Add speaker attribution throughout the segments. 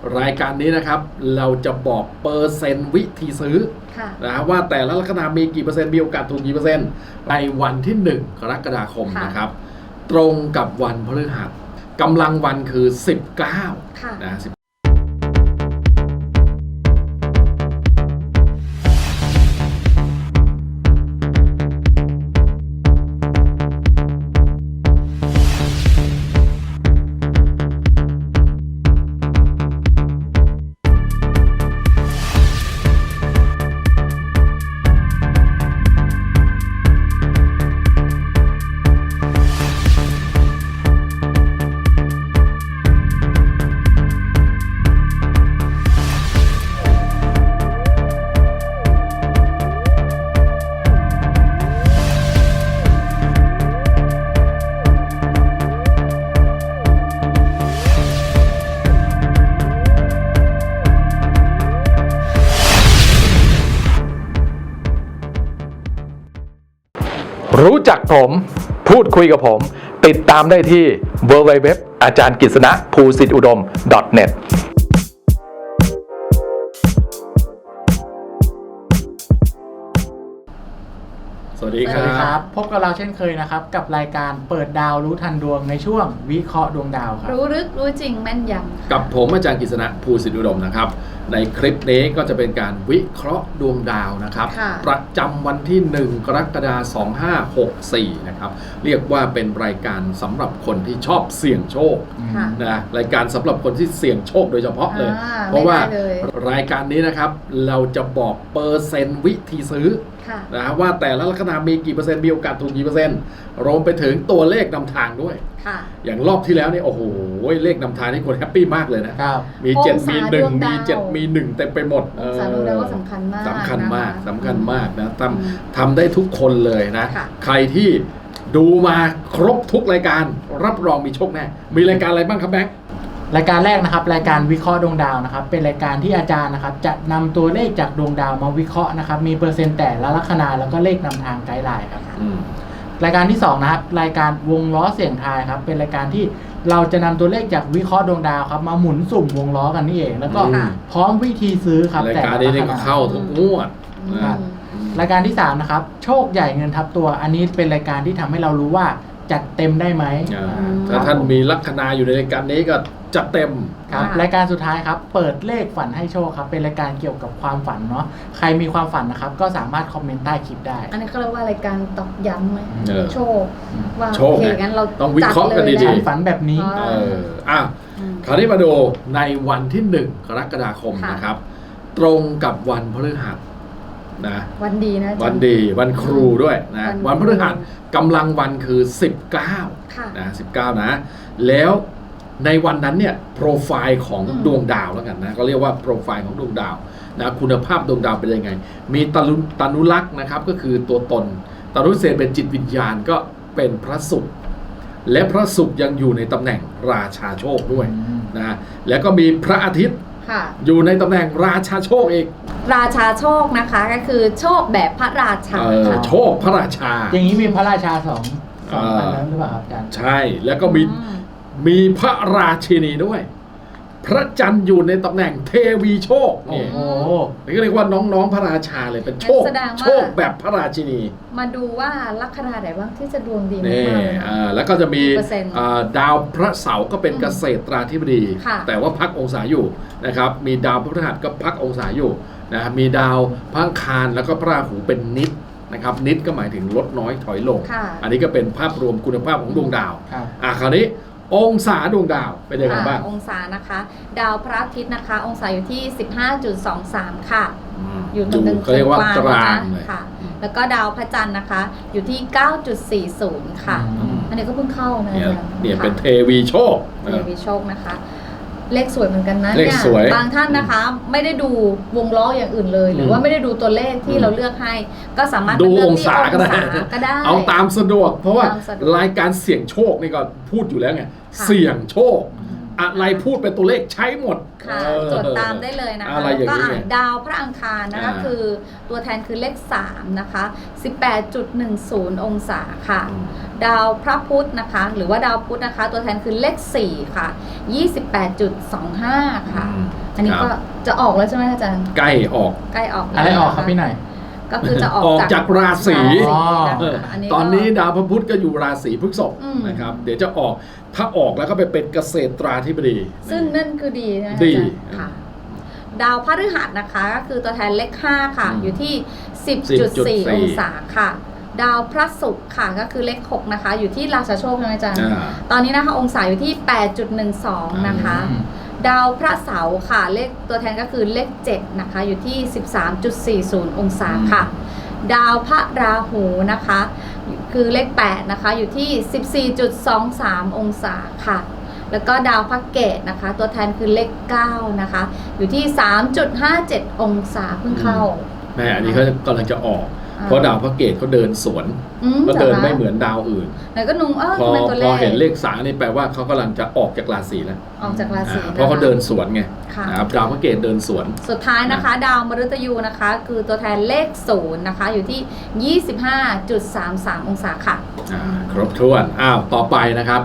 Speaker 1: รายการนี้นะครับเราจะบอกเปอร์เซ็นต์วิธีซื้อนะว่าแต่ละลัคนามีกี่เปอร์เซ็นต์มีโอกาสถูกกี่เปอร์เซ็นต์ในวันที่1 กรกฎาคมนะครับตรงกับวันพฤหัสกำลังวันคือ19นะ
Speaker 2: รู้จักผมพูดคุยกับผมติดตามได้ที่ www อาจารย์กฤษณะภูสิทธิอุดม .net
Speaker 1: สวัสดีครับ
Speaker 3: พบกับเราเช่นเคยนะครับกับรายการเปิดดาวรู้ทันดวงในช่วงวิเคราะห์ดวงดาวครับ
Speaker 4: รู้ลึกรู้จริงแม่นยำ
Speaker 1: กับผมอาจารย์กฤษณะภูสิทธิอุดมนะครับในคลิปนี้ก็จะเป็นการวิเคราะห์ดวงดาวนะครับประจำวันที่1 กรกฎาคม 2564นะครับเรียกว่าเป็นรายการสำหรับคนที่ชอบเสี่ยงโชคนะรายการสำหรับคนที่เสี่ยงโชคโดยเฉพาะเลยเพราะว่ารายการนี้นะครับเราจะบอกเปอร์เซ็นต์วิธีซื้อนะว่าแต่ละลัคนามีกี่เปอร์เซ็นต์มีโอกาสถูกกี่เปอร์เซ็นต์รวมไปถึงตัวเลขนำทางด้วยอย่างรอบที่แล้วนี่โอ้โหเลขนำทางนี่คนแฮปปี้มากเลยนะมี7มี1มี7มี1เต็มไปหมด
Speaker 4: สารดวงดาวก็สำคัญมาก
Speaker 1: สำคัญมากนะทำได้ทุกคนเลยนะใครที่ดูมาครบทุกรายการรับรองมีโชคแน่มีรายการอะไรบ้างครับแบงค์
Speaker 3: รายการแรกนะครับรายการวิเคราะห์ดวงดาวนะครับเป็นรายการที่อาจารย์นะครับจะนำตัวเลขจากดวงดาวมาวิเคราะห์นะครับมีเปอร์เซ็นต์แต่ละลัคนาแล้วก็เลขนำทางไกด์ไลน์ครับรายการที่2นะครับรายการวงล้อเสี่ยงทายครับเป็นรายการที่เราจะนำตัวเลขจากวิเคราะห์ดวงดาวครับมาหมุนสุ่มวงล้อกันนี่เองแล้วก็พร้อมวิธีซื้อครับ
Speaker 1: รายการนี้ก็เข้าทุกงวด
Speaker 3: รายการที่3นะครับโชคใหญ่เงินทับตัวอันนี้เป็นรายการที่ทำให้เรารู้ว่าจัดเต็มได้ไหม
Speaker 1: ถ้าท่านมีลัคนาอยู่ในรายการนี้ก็จัดเต็ม
Speaker 3: ครับรายการสุดท้ายครับเปิดเลขฝันให้โชคครับเป็นรายการเกี่ยวกับความฝันเนาะใครมีความฝันนะครับก็สามารถคอมเมนต์ใต้คลิปได้
Speaker 4: อันนี้เขาเรียกว่ารายการตอกย้ำไหมโชคว่า
Speaker 1: โอเคงั้นเราต้องวิเคราะห์กันดี
Speaker 3: ๆฝันแบบนี้
Speaker 1: คราวนี้มาดูในวันที่1 กรกฎาคมนะครับตรงกับวันพฤหัสนะ
Speaker 4: วันดีนะ
Speaker 1: วันดีวันครูด้วยนะวันพฤหัสกำลังวันคือ19นะ19นะแล้วในวันนั้นเนี่ยโปรไฟล์ของดวงดาวแล้วกันนะก็เรียกว่าโปรไฟล์ของดวงดาวนะคุณภาพดวงดาวเป็นยังไงมีตนุลักษณ์นะครับก็คือตัวตนตนุเศษเป็นจิตวิญญาณก็เป็นพระศุกร์และพระศุกร์ยังอยู่ในตำแหน่งราชาโชคด้วยนะแล้วก็มีพระอาทิตย์อยู่ในตำแหน่งราชาโชคอีก
Speaker 4: ราชาโชคนะคะก็คือโชคแบบพระราชา
Speaker 1: โชคพระราชา
Speaker 3: อย่างนี้มีพระราชาสองอันนั้นหรือเปล่าครับอาจารย์
Speaker 1: ใช่แล้วก็มีพระราชินีด้วยพระจันทร์อยู่ในตำแหน่งเทวีโชคนี่ก็เรียกว่าน้องๆพระราชาเลยเป็นโชคแบบพระราชินี
Speaker 4: มาดูว่าลัคนาไหนบ้างที่จะดวงดี
Speaker 1: มากแล้วก็จะมีดาวพระเสาร์ก็เป็นเกษตราธิบดีแต่ว่าพักองศาอยู่นะครับมีดาวพฤหัสก็พักองศาอยู่นะมีดาวพระอังคารแล้วก็พระราหูเป็นนิดนะครับนิดก็หมายถึงลดน้อยถอยลงอันนี้ก็เป็นภาพรวมคุณภาพของดวงดาวคราวนี้องศาดวงดาวเป็นยังไงบ้าง
Speaker 4: องศานะคะดาวพระอาทิตย์นะคะองศาอยู่ที่ 15.23 ค่ะอยู่ตรงกลาง
Speaker 1: เรียกว่ากลาง
Speaker 4: ค่ะแล้วก็ดาวพระจันทร์นะคะอยู่ที่ 9.40 ค่ะอันนี้ก็เพิ่งเข้านะ
Speaker 1: เนี่ยเป็นเทวีโชค
Speaker 4: นะคะเลขสวยเหมือนกันนะ
Speaker 1: เนี่ย
Speaker 4: บางท่านนะคะไม่ได้ดูวงล้ออย่างอื่นเลยหรือว่าไม่ได้ดูตัวเลขที่เราเลือกให้ก็สามารถ
Speaker 1: ดูองศาก็ได้เอาตามสะดวกเพราะว่ารายการเสี่ยงโชคนี่ก็พูดอยู่แล้วไงเสี่ยงโชคอะไรพูดเป็นตัวเลขใช้หมด
Speaker 4: จดตามได้เลยนะคะก็ดาวพระอังคารนะคะคือตัวแทนคือเลข3นะคะ 18.10 องศาค่ะดาวพระพุธนะคะหรือว่าดาวพุธนะคะตัวแทนคือเลข4ค่ะ 28.25 ค่ะอันนี้ก็จะออกแล้วใช่ไหมอาจารย์
Speaker 1: ใกล้ออก
Speaker 4: ใกล้ออก
Speaker 3: อะไรออกครับพี่หน่อย
Speaker 4: ก็คือจะออก
Speaker 1: ออกจากราศี
Speaker 4: นะคะ
Speaker 1: ตอนนี้ดาวพระพุธก็อยู่ราศีพฤษภ
Speaker 4: อืม
Speaker 1: นะครับเดี๋ยวจะออกถ้าออกแล้วก็ไปเป็นเกษตราธิบดี
Speaker 4: ซึ่งนั่นคือดีนะ
Speaker 1: ดี
Speaker 4: อาจารย์ค่ะ ดาวพฤหัสนะคะก็คือตัวแทนเลข5ค่ะอยู่ที่ 10.4 องศาค่ะ ดาวพระศุกร์ค่ะก็คือเลข6นะคะอยู่ที่ราชาโชคใช่ไหมอาจารย์ ตอนนี้นะคะองศาอยู่ที่ 8.12 นะคะ ดาวพระเสาร์ค่ะเลขตัวแทนก็คือเลข7นะคะอยู่ที่ 13.40 องศาค่ะ ดาวพระราหูนะคะคือเลข8นะคะอยู่ที่ 14.23 องศาค่ะ แล้วก็ดาวพระเกตนะคะตัวแทนคือเลข9นะคะอยู่ที่ 3.57 องศาเพิ่งเข้า
Speaker 1: แม่อันนี้เขากำลังจะออก เพราะดาวพระเกตเขาเดินสวนก็เดินไม่เหมือนดาวอื่น
Speaker 4: แล้วก็นุ่ง
Speaker 1: พอ
Speaker 4: เป็นตัวเล
Speaker 1: พอ
Speaker 4: ข
Speaker 1: เห็นเลข3นี่แปลว่าเขากำลังจะออกจากราศีแล้ว
Speaker 4: ออกจากราศี
Speaker 1: เพราะเขาเดินสวนไง
Speaker 4: ค่ะ
Speaker 1: นะครับดาวพระเกตเดินสวน
Speaker 4: สุดท้ายนะคะ ดาวมฤตยูนะคะคือตัวแทนเลข0นะคะอยู่ที่ 25.33 องศาค่ะ
Speaker 1: ครบถ้วนต่อไปนะครับ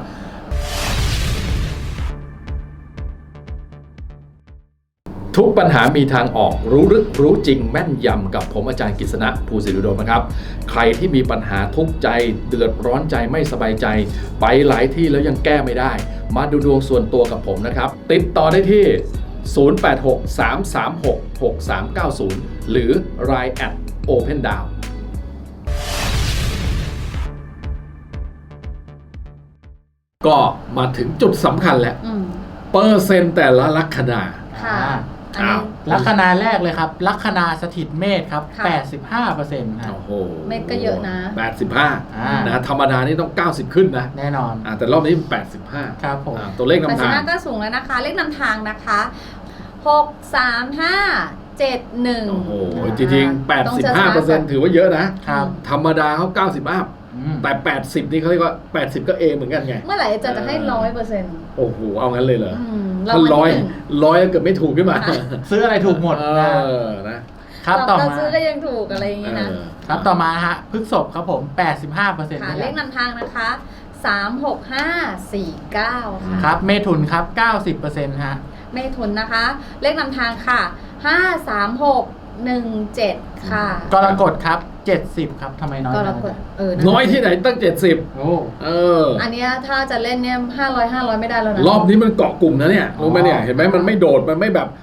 Speaker 1: ทุกปัญหามีทางออกรู้ลึกรู้จริงแม่นยำกับผมอาจารย์กฤษณะภูสิริอุดมนะครับใครที่มีปัญหาทุกข์ใจเดือดร้อนใจไม่สบายใจไปหลายที่แล้วยังแก้ไม่ได้มาดูดวงส่วนตัวกับผมนะครับติดต่อได้ที่ 0863366390 หรือ Line @OpenDown ก็มาถึงจุดสำคัญแล้วเปอร์เซ็นต์แต่ละลัคนา
Speaker 4: ค่ะอันนี้
Speaker 3: ลัคนาแรกเลยครับ ลัคนาสถิตเมษครับ
Speaker 4: ค่ะ
Speaker 3: 85%ครับ
Speaker 1: โอ้โห
Speaker 4: เม็ดก็เยอะนะ
Speaker 1: 85นะธรรมดานี่ต้อง90ขึ้นนะ
Speaker 3: แน่นอน
Speaker 1: แต่รอบนี้85
Speaker 3: ครับผม
Speaker 1: ตัวเลขนำทาง
Speaker 4: 85ก็สูงแล้วนะคะ เลขนำทางนะคะ6 3 5 7 1
Speaker 1: โอ้โหจริงๆ85%ถือว่าเยอะนะครับ ธรรมดาเขา90อัพแต่80นี่เขาเรียกว่า80ก็เอเหมือนกันไง
Speaker 4: เมื่อไหร่จะให้ 100%
Speaker 1: โอ้โหเอางั้นเลยเหรอ
Speaker 4: เรา
Speaker 1: ถ้า
Speaker 4: วัน
Speaker 1: ร้อย
Speaker 4: ที่หนึ่ง
Speaker 1: เกือบไม่ถูกขึ้นมา
Speaker 3: ซื้ออะไรถูกหมดนะ ครับต่อ
Speaker 4: เรา
Speaker 3: มา
Speaker 4: ซื้อก็ยังถูกอะไรอย่างนี้นะครับ
Speaker 3: ต่อมาฮะพฤษภครับผม 85%
Speaker 4: ค่ะเลขนำทางนะคะ3 6 5 4 9ค่ะ
Speaker 3: ครับเมถุนครับ 90%ฮะ
Speaker 4: เมถุนนะคะ เลขนำทางค่ะ5 3 6 1 7ค่ะ
Speaker 3: กรกฎครับ 70 ครับทำไมน้อย
Speaker 4: ก
Speaker 3: จั
Speaker 4: รง กฎ
Speaker 1: น้อยที่ไหนตั้ง70
Speaker 3: โอ้
Speaker 4: อันเนี้ยถ้าจะเล่นเนี่ย500ไม่ได้แล้วนะ
Speaker 1: รอบนี้มันเกาะกลุ่มนะเนี่ยรู้ไหมเนี่ยเห็นไหมมันไม่โดดมันไม่แบบ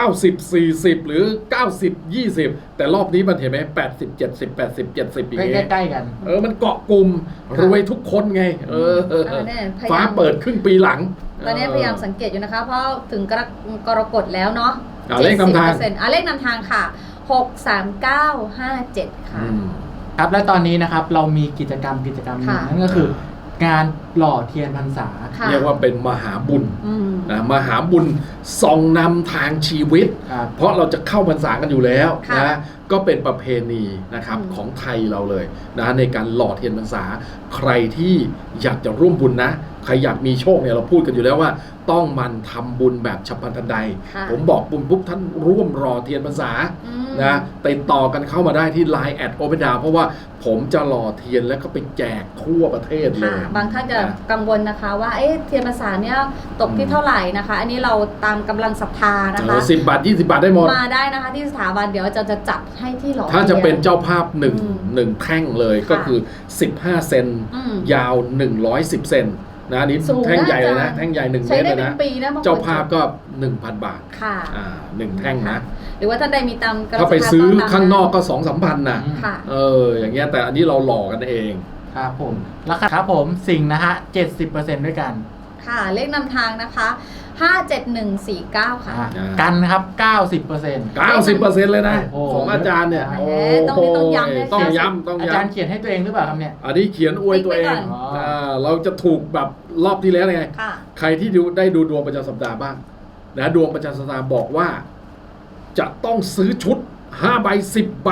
Speaker 1: 90 40 หรือ90 20แต่รอบนี้มันเห็นไหม80 70 80 70อย่างเงี้ย
Speaker 3: ใกล้ๆกัน
Speaker 1: มันเกาะกลุ่มรวยทุกคนไงฟ้าเปิดครึ่งปีหลัง
Speaker 4: ตอนนี้พยายามสังเกตอยู่นะคะ เพราะถึงกรกฎแล้วเนาะ
Speaker 1: เลขนำทาง
Speaker 4: เลขนำทางค่ะ6 3 9 5 7ค่ะ
Speaker 3: ครับและตอนนี้นะครับเรามีกิจกรรมหนึ่ง
Speaker 4: ค่ะ
Speaker 3: นั่นก็คือ งานหล่อเทียนพรรษา
Speaker 4: ค่ะ
Speaker 1: เรียกว่าเป็นมหาบุญนะมหาบุญส่องนำทางชีวิต
Speaker 3: ครับ
Speaker 1: เพราะเราจะเข้าพรรษากันอยู่แล้ว
Speaker 4: ค่ะ
Speaker 1: นะก็เป็นประเพณีนะครับของไทยเราเลยนะในการหล่อเทียนพรรษาใครที่อยากจะร่วมบุญนะใครอยากมีโชคเนี่ยเราพูดกันอยู่แล้วว่าต้องมันทำบุญแบบฉับพลันทันใด
Speaker 4: ค่ะ
Speaker 1: ผมบอกบุญปุ๊บท่านร่วมรอเทียนพรรษานะติดต่อกันเข้ามาได้ที่ Line @OpenDown เพราะว่าผมจะหล่อเทียนแล้วก็ไปแจกทั่วประเทศเลย
Speaker 4: ค่ะบางท่านจะกังวลนะคะว่าเทียนพรรษาเนี่ยตกที่เท่าไหร่นะคะ อันนี้เราตามกำลังศรัทธานะคะ
Speaker 1: 10 บาท 20 บาทได้หมด
Speaker 4: มาได้นะคะที่สถาบันเดี๋ยวจะจัดให้ที่หล่อ
Speaker 1: ถ้าจะเป็น
Speaker 4: ทีย
Speaker 1: เจ้าภาพหนึ่งแท่งเลย
Speaker 4: ค่ะ
Speaker 1: ก็คือ15 เซน ยาว 110 เซนนะอันนี้
Speaker 4: สูงนะ
Speaker 1: แท่งใหญ่เลยนะ
Speaker 4: อาจารย์
Speaker 1: แท่งใหญ่1 เม
Speaker 4: ใช้
Speaker 1: ตร
Speaker 4: ได้
Speaker 1: เลย
Speaker 4: เป็น
Speaker 1: นะ
Speaker 4: ปีนะบงคน
Speaker 1: เจ้าภาพก็ 1,000 บาท
Speaker 4: ค่ะ
Speaker 1: 1 แท่งนะ
Speaker 4: หรือว่าท่านใดมีตามกระ
Speaker 1: ถ้าไปซื้อ
Speaker 4: ศรัทธตม
Speaker 1: ข้างนอกก็ 2-3 พันนะ
Speaker 4: ค่ะ
Speaker 1: อย่างเงี้ยแต่อันนี้เราหล่อกันเอง
Speaker 3: ครับผมแล้วครับผมสิงห์นะฮะ 70%ด้วยกัน
Speaker 4: ค่ะ เลขนำทางนะคะ57149 ค่ะ
Speaker 3: กันนะครับ 90%
Speaker 1: 90% เลยนะ
Speaker 3: โอ้โห
Speaker 1: ของอาจารย์เนี่ย
Speaker 4: โอ้โหต้องย้ำเลย
Speaker 1: ต้องย้ำต้อง
Speaker 3: อา
Speaker 1: ย้ำ
Speaker 3: จารย์เขียนให้ตัวเองหรือเปล่าครับเนี่ย
Speaker 1: อันนี้เขียนอวยตัวเอง
Speaker 4: ติ๊กไว้ก่อน
Speaker 1: เราจะถูกแบบรอบที่แล้วไง
Speaker 4: ค่ะ
Speaker 1: ใครที่ได้ดูดวงประจำสัปดาห์บ้างนะดวงประจำสัปดาห์บอกว่า จะต้องซื้อชุด5 ใบ 10 ใบ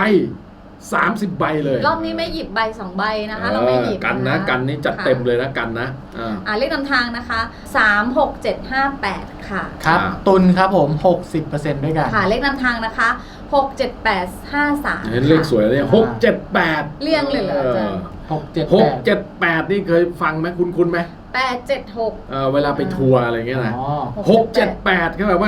Speaker 1: 30 ใบเลย
Speaker 4: รอบนี้ไม่หยิบใบ2 ใบนะคะ เราไม่หยิบ
Speaker 1: กันนะกันนี่จัดเต็มเลยนะกันนะ
Speaker 4: เลขนำทางนะคะ36758 ค่ะ
Speaker 3: ครับตุลครับผม 60% ด้วยกัน
Speaker 4: ค่ะ เลขนำทางนะคะ67853
Speaker 1: เห็นเลขสวยเลย678
Speaker 4: เรียงเลยเหรออาจารย์
Speaker 1: 678นี่เคยฟังไหมคุ้นไหม
Speaker 4: 876
Speaker 1: เวลาไปทัวร์อะไรเงี้ยนะ678ก็แบบว่า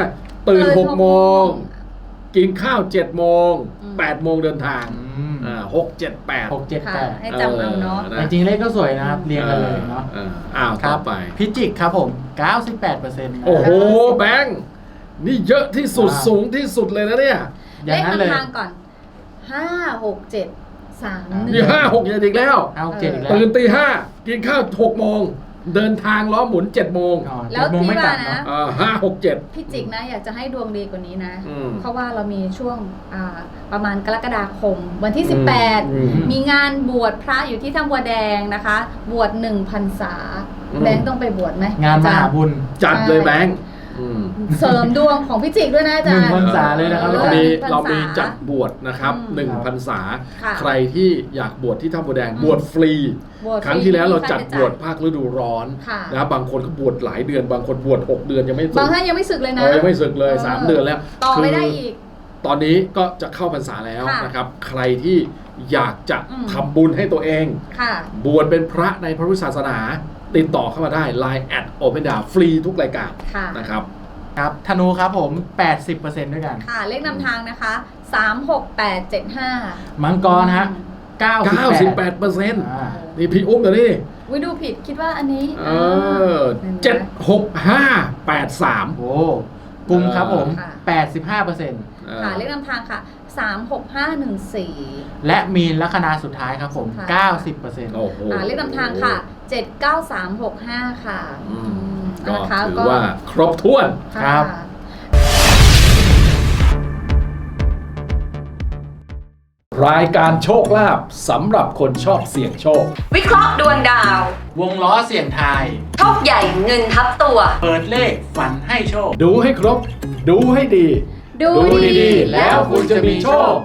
Speaker 1: ตื่น
Speaker 4: ตื่น
Speaker 1: 6 โมง กินข้าว 7 โมง
Speaker 4: อืม
Speaker 1: 8 โมงเดินทาง 6 7 8
Speaker 3: 6 7
Speaker 4: ค่ะ ให้จำเอาเนาะ
Speaker 1: นะ
Speaker 3: จริงๆเลขก็สวยนะครับ เรียงกันเลยเนาะ
Speaker 1: อ้าว
Speaker 3: ครั
Speaker 1: ต่
Speaker 3: บ
Speaker 1: อไป
Speaker 3: พิจิกครับผม 98%นะ
Speaker 1: โอ้โห แบงค์นี่เยอะที่สุด
Speaker 3: ว้าว
Speaker 1: สูงที่สุดเลยนะเนี่ย
Speaker 3: อ
Speaker 4: เล
Speaker 3: ย่าง
Speaker 4: ข
Speaker 3: นั้นเลย
Speaker 4: นำทางก่อน 5 6 7 3
Speaker 1: นี่
Speaker 4: 1
Speaker 1: 5 6 7อีกแล้ว
Speaker 3: เอา7อีกแล้ว
Speaker 1: ตื่นตี 5 กินข้าว 6 โมง เดินทางล้อหมุน 7 โมง
Speaker 3: อ๋อ
Speaker 4: แล้ว
Speaker 3: 7โมง
Speaker 4: ที่
Speaker 3: ไม่กลั
Speaker 4: ว่า
Speaker 3: บ
Speaker 4: นะ
Speaker 3: เนาะ
Speaker 1: 5 6 7
Speaker 4: พี่จิกนะอยากจะให้ดวงดีกว่านี้นะ
Speaker 1: อืม
Speaker 4: เพราะว่าเรามีช่วงประมาณกรกฎาคม วันที่
Speaker 1: อืม
Speaker 4: 18 มีงานบวชพระอยู่ที่ถ้ำบัวแดงนะคะ บวช1 พรรษา
Speaker 1: อืม
Speaker 4: แบงค์ต้องไปบวชไหม
Speaker 3: งานมหา
Speaker 4: อจรย์
Speaker 3: บุญ
Speaker 1: จัดเลยแบงค์อืม
Speaker 4: เสริมดวงของพี่จิกด้วยนะอาจารย์
Speaker 3: 1 พรรษาเลยนะครับ
Speaker 1: เรา
Speaker 3: อาจารย์
Speaker 1: มี
Speaker 4: พรรษา
Speaker 1: เรามีจัดบวชนะครับ
Speaker 4: อืม
Speaker 1: 1 พรรษา
Speaker 4: ค่ะ
Speaker 1: ใครที่อยากบวชที่ถ้ำบัวแดง
Speaker 4: อืม
Speaker 1: บวชฟรี
Speaker 4: บวช
Speaker 1: ครั้งที่แล้วเราจัด
Speaker 4: ไม่มี
Speaker 1: บวช
Speaker 4: ค่าใช้จ่าย
Speaker 1: ภาคฤดูร้อน
Speaker 4: ค่ะ
Speaker 1: นะบางคนก็บวชหลายเดือน บางคนบวช6 เดือนยังไม่สึ
Speaker 4: บาง
Speaker 1: ก
Speaker 4: ท่านยังไม่สึกเลยนะ
Speaker 1: ยังไม่สึกเลย 3 เดือนแล้ว
Speaker 4: ต่อไม่ได้
Speaker 1: คื
Speaker 4: อีก
Speaker 1: ตอนนี้ก็จะเข้าพรรษาแล้ว
Speaker 4: ค่ะ
Speaker 1: นะครับ ใครที่อยากจะ
Speaker 4: อืม
Speaker 1: ทำบุญให้ตัวเอง
Speaker 4: ค่ะ
Speaker 1: บวชเป็นพระในพระพุทธศาสนา ติดต่อเข้ามาได้ Line @Open Down ฟรีทุกรายการ
Speaker 4: ค่ะ
Speaker 1: นะครับ
Speaker 3: ครับธนูครับผม 80%ด้วยกัน
Speaker 4: ค่ะ เลขนำทางนะคะ 3 6 8 7 5
Speaker 3: มังกรฮะ 98
Speaker 1: 98%
Speaker 3: อ่า
Speaker 1: นี่พี่อุ้มเดี๋ยวนี้
Speaker 4: วิดูผิดคิดว่าอันนี้
Speaker 1: เห็นไหม 76583
Speaker 3: โอ้กุมครับผม
Speaker 4: ค่ะ
Speaker 3: 85%
Speaker 4: ค่ะ เลขนำทางค่ะ 3 6 5 1 4
Speaker 3: และมีนลัคนาสุดท้ายครับผม
Speaker 4: ค่ะ
Speaker 3: 90%
Speaker 1: โอ้โห
Speaker 4: เลขนำทางค่ะ 7 9 3 6 5 ค่ะ
Speaker 1: อืม
Speaker 4: อืม
Speaker 1: ก็
Speaker 4: นะคะ
Speaker 1: ถือว่าครบถ้วน
Speaker 3: ครับ
Speaker 1: รายการโชคลาภสำหรับคนชอบเสี่ยงโชค
Speaker 5: วิเคราะห์ดวงดาว
Speaker 3: วงล้อเสี่ยงทาย
Speaker 5: โชคใหญ่เงินทับตัว
Speaker 3: เปิดเลขฝันให้โชค
Speaker 1: ดูให้ครบ ดูให้ดี
Speaker 4: ดู
Speaker 1: ดีๆ แล้วคุณจะมีโชค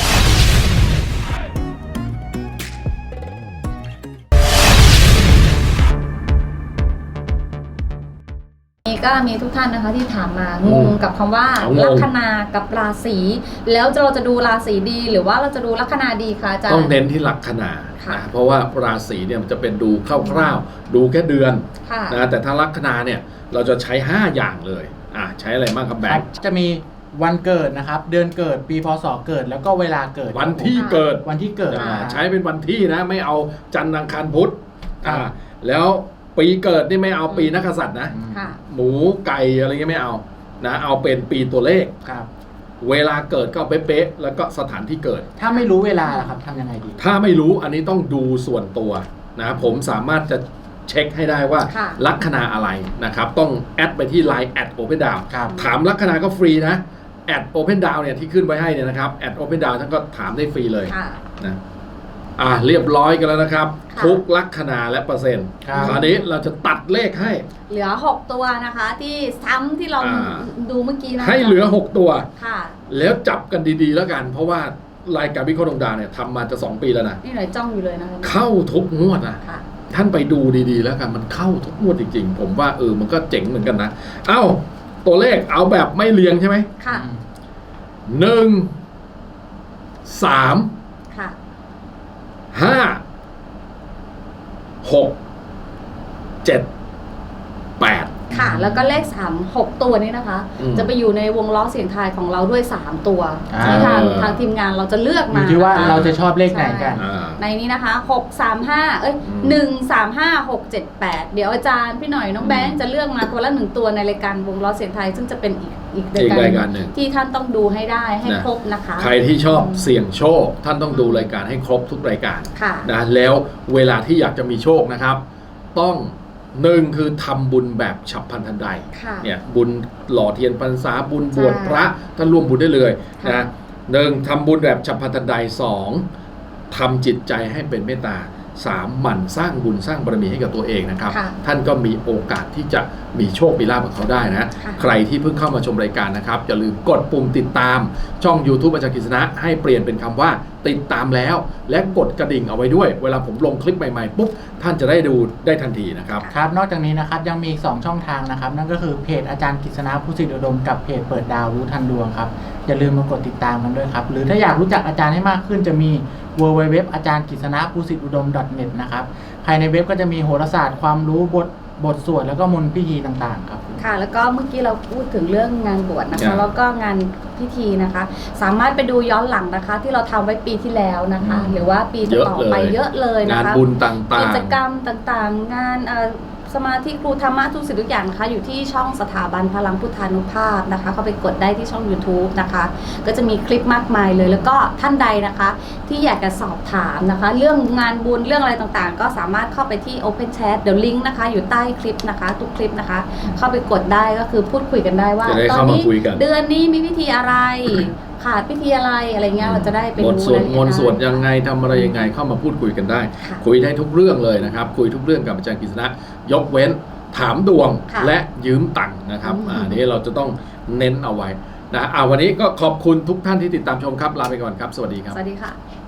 Speaker 4: นี่ก็มีทุกท่านนะคะที่ถามมา
Speaker 1: อืม
Speaker 4: งงกับคำว่า
Speaker 1: เอางง
Speaker 4: ลัคนากับราศีแล้วเราจะดูราศีดีหรือว่าเราจะดูลัคนาดีคะอาจารย์
Speaker 1: ต้องเน้นที่ลัคนา
Speaker 4: ค่ะ
Speaker 1: นะเพราะว่าราศีเนี่ยมันจะเป็นดูคร่าวๆ ดูแค่เดือน
Speaker 4: ค่ะ
Speaker 1: นะแต่ถ้าลัคนาเนี่ยเราจะใช้ 5 อย่างเลยใช้อะไรบ้างครับแบ
Speaker 3: ครั
Speaker 1: ง
Speaker 3: บ
Speaker 1: ค์
Speaker 3: จะมีวันเกิดนะครับ เดือนเกิด ปีพศเกิด แล้วก็เวลาเกิด
Speaker 1: วันที่เกิด
Speaker 3: วันที่เกิด
Speaker 1: ใช้เป็นวันที่นะไม่เอาจันทร์อังคารพุธ
Speaker 3: ครับ
Speaker 1: แล้วปีเกิดนี่ไม่เอาปีนักกษัตริย์นะ
Speaker 4: ค่ะ
Speaker 1: หมูไก่อะไรเงี้ยไม่เอานะเอาเป็นปีตัวเลข
Speaker 3: ครับ
Speaker 1: เวลาเกิดก็เป๊ะๆแล้วก็สถานที่เกิด
Speaker 3: ถ้าไม่รู้เวลาล่ะครับทำยังไงดี
Speaker 1: ถ้าไม่รู้อันนี้ต้องดูส่วนตัวนะผมสามารถจะเช็คให้ได้ว่า
Speaker 4: ค่ะ
Speaker 1: ลัคนาอะไรนะครับต้องแอดไปที่ Line @Open Down
Speaker 3: ครับ
Speaker 1: ถามลัคนาก็ฟรีนะ@Open Down เนี่ยที่ขึ้นไว้ให้เนี่ยนะครับ@Open Down ท่านก็ถามได้ฟรีเลย
Speaker 4: ค่ะ
Speaker 1: นะเรียบร้อยกันแล้วนะครับ
Speaker 4: ค่ะ
Speaker 1: ทุกลัคนาและเปอร์เซ็นต์
Speaker 3: ครับ
Speaker 1: คราวนี้เราจะตัดเลขให้
Speaker 4: เหลือ 6 ตัวนะคะ ที่ซ้ำที่เรา
Speaker 1: อ่า
Speaker 4: ดูเมื่อกี้นะ
Speaker 1: ให้เหลือ 6 ตัว
Speaker 4: ค่ะ
Speaker 1: แล้วจับกันดีๆแล้วกัน เพราะว่ารายการวิเคราะห์ดวงดาวเนี่ยทำมาจะ 2 ปีแล้วนะ
Speaker 4: นี่หน่อยจ้องอยู่เลยนะคะ
Speaker 1: เข้าทุกงวดนะ
Speaker 4: ค่ะ
Speaker 1: ท่านไปดูดีๆแล้วกันมันเข้าทุกงวดจริงๆ ผมว่ามันก็เจ๋งเหมือนกันนะ เอ้า ตัวเลขเอาแบบไม่เรียงใช่ไหม
Speaker 4: ค่ะ
Speaker 1: 1 3
Speaker 4: ค่ะ
Speaker 1: 5 6 7 8
Speaker 4: ค่ะ แล้วก็เลข 3 6 ตัวนี้นะคะ
Speaker 1: อืม
Speaker 4: จะไปอยู่ในวงล้อเสียงทายของเราด้วย 3 ตัว
Speaker 3: อ่า
Speaker 4: ที่ทางทีมงานเราจะเลือก
Speaker 3: อ
Speaker 4: มา
Speaker 3: ยู่ที่ว่า
Speaker 4: นะคะ
Speaker 3: เราจะชอบเลขไหนกัน
Speaker 1: อ่า
Speaker 4: ในนี้นะคะ 6 3 5 1 3 5 6 7 8 เดี๋ยวอาจารย์พี่หน่อยน้องแบงค์จะเลือกมาคนละ1 ตัวในรายการวงล้อเสียงไทยซึ่งจะเป็นอีก
Speaker 1: อีกรายการหนึ่ง
Speaker 4: ที่ท่านต้องดูให้ได้ให้
Speaker 1: นะ
Speaker 4: ครบนะคะ
Speaker 1: ใครที่ชอบเสี่ยงโชค ท่านต้องดูรายการให้ครบทุกรายการ
Speaker 4: ค่ะ
Speaker 1: นะแล้วเวลาที่อยากจะมีโชคนะครับ ต้อง1คือทำบุญแบบฉับพลันทันใด
Speaker 4: ค่ะ
Speaker 1: เนี่ยบุญหล่อเทียนพรรษาบุญบวช
Speaker 4: ใช่
Speaker 1: พระท่านร่วมบุญได้เลย
Speaker 4: ค่ะ
Speaker 1: นะหนึ่งทำบุญแบบฉับพลันทันใดสองทำจิตใจให้เป็นเมตตาสามหมั่นสร้างบุญสร้างบารมีให้กับตัวเองนะครับ
Speaker 4: ค่ะ
Speaker 1: ท่านก็มีโอกาสที่จะมีโชคมีลาภกับเขาได้นะ
Speaker 4: ค่ะ
Speaker 1: ใครที่เพิ่งเข้ามาชมรายการนะครับอย่าลืมกดปุ่มติดตามช่อง YouTube อาจารย์กฤษณะให้เปลี่ยนเป็นคำว่าติดตามแล้ว และกดกระดิ่งเอาไว้ด้วย เวลาผมลงคลิปใหม่ๆปุ๊บท่านจะได้ดูได้ทันทีนะครับ
Speaker 3: ครับ นอกจากนี้นะครับยังมีอีก2ช่องทางนะครับ นั่นก็คือเพจอาจารย์กฤษณะผู้สิทธิอุดมกับเพจเปิดดาวรู้ทันดวงครับอย่าลืมมากดติดตามกันด้วยครับหรือถ้าอยากรู้จักอาจารย์ให้มากขึ้นจะมี www อาจารย์กฤษณะผู้สิทธิอุดม .net นะครับภายในเว็บก็จะมีโหราศาสตร์ความรู้บทบทสวดแล้วก็มนต์พิธีต่างๆครับ
Speaker 4: ค่ะ แล้วก็เมื่อกี้เราพูดถึงเรื่องงานบวชนะ
Speaker 1: ครั
Speaker 4: คะ
Speaker 1: บ
Speaker 4: แล้วก็งานพิธีนะคะ สามารถไปดูย้อนหลังนะคะ ที่เราทำไว้ปีที่แล้วนะคะ หรือว่าปีต่อๆไปเยอะเลยนะ
Speaker 1: งาน
Speaker 4: คะ
Speaker 1: บุญต่างๆ
Speaker 4: กิจกรรมต่างๆ งานสมาธิครูธรรมะทุกสิ่งทุกอย่างนะคะอยู่ที่ช่องสถาบันพลังพุทธานุภาพนะคะเข้าไปกดได้ที่ช่อง YouTube นะคะก็จะมีคลิปมากมายเลย แล้วก็ท่านใดนะคะที่อยากจะสอบถามนะคะ เรื่องงานบุญเรื่องอะไรต่างๆ ก็สามารถเข้าไปที่ Open Chat เดี๋ยวลิงก์นะคะอยู่ใต้คลิปนะคะทุกคลิปนะคะ เข้าไปกดได้ก็คือพูดคุยกันได้ว่า
Speaker 1: จะได้
Speaker 4: ตอน
Speaker 1: เข้ามา
Speaker 4: นี้
Speaker 1: คุยกัน
Speaker 4: เดือนนี้มีพิธีอะไร ขาดพิธีอะไรอะไรเงี้ยเราจะได้ไป
Speaker 1: บท
Speaker 4: รู้
Speaker 1: สวดมนต์
Speaker 4: ได้
Speaker 1: สวดยังไงทำอะไรยังไงเข้ามาพูดคุยกันได้
Speaker 4: ค่ะ
Speaker 1: คุยได้ทุกเรื่องเลยนะครับ คุยทุกเรื่องกับอาจารย์กฤษณะยกเว้นถามดวง
Speaker 4: ค่ะ
Speaker 1: และยืมตังค์นะครับ
Speaker 4: อืม
Speaker 1: อันนี้เราจะต้องเน้นเอาไว้นะวันนี้ก็ขอบคุณทุกท่านที่ติดตามชมครับลาไปก่อนครับ สวัสดีครับ
Speaker 4: สวัสดีค่ะ